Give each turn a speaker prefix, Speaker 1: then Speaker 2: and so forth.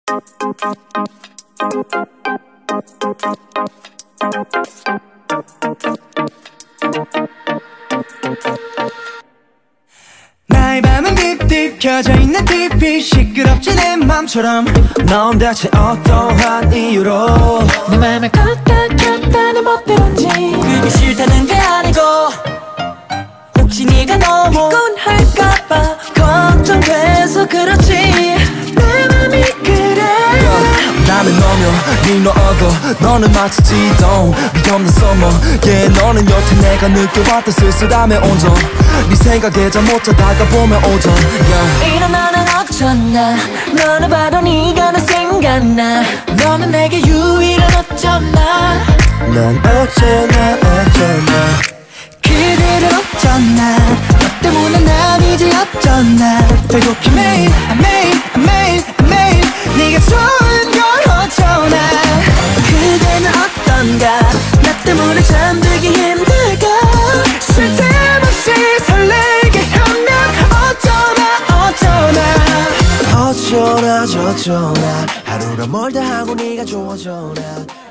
Speaker 1: 나의 밤은 딥딥 켜져있는 TV 시끄럽지 내 맘처럼 넌 대체 어떠한 이유로
Speaker 2: 내 맘을 껐다 켰다 내 멋대로인지
Speaker 1: 그게 싫다는 게 아니고 혹시 네가 너무 피곤할까봐 걱정돼서 그렇지 내 맘이 그래 나는 너며 네 너어고 너는 마치 지동 위험한 서머 yeah 너는 여태 내가 느껴봤던 쓸쓸함의 온전 네 생각에 잠 못 자다가 보면 오전 yeah.
Speaker 2: 일어나는 어쩌나 너는 바로 네가 나 생각나 너는 내게 유일한 어쩌나
Speaker 1: 난 어쩌나
Speaker 2: 그대를 어쩌나 너 때문에 난 이제 어쩌나
Speaker 1: 배고픈 매일 네가 좋은 걸 어쩌나
Speaker 2: 그대는 어떤가 나 때문에 잠들기 힘들까
Speaker 1: 쉴 틈 없이 설레게 하면 어쩌나 저쩌나 하루가 멀다 하고 네가 좋아져나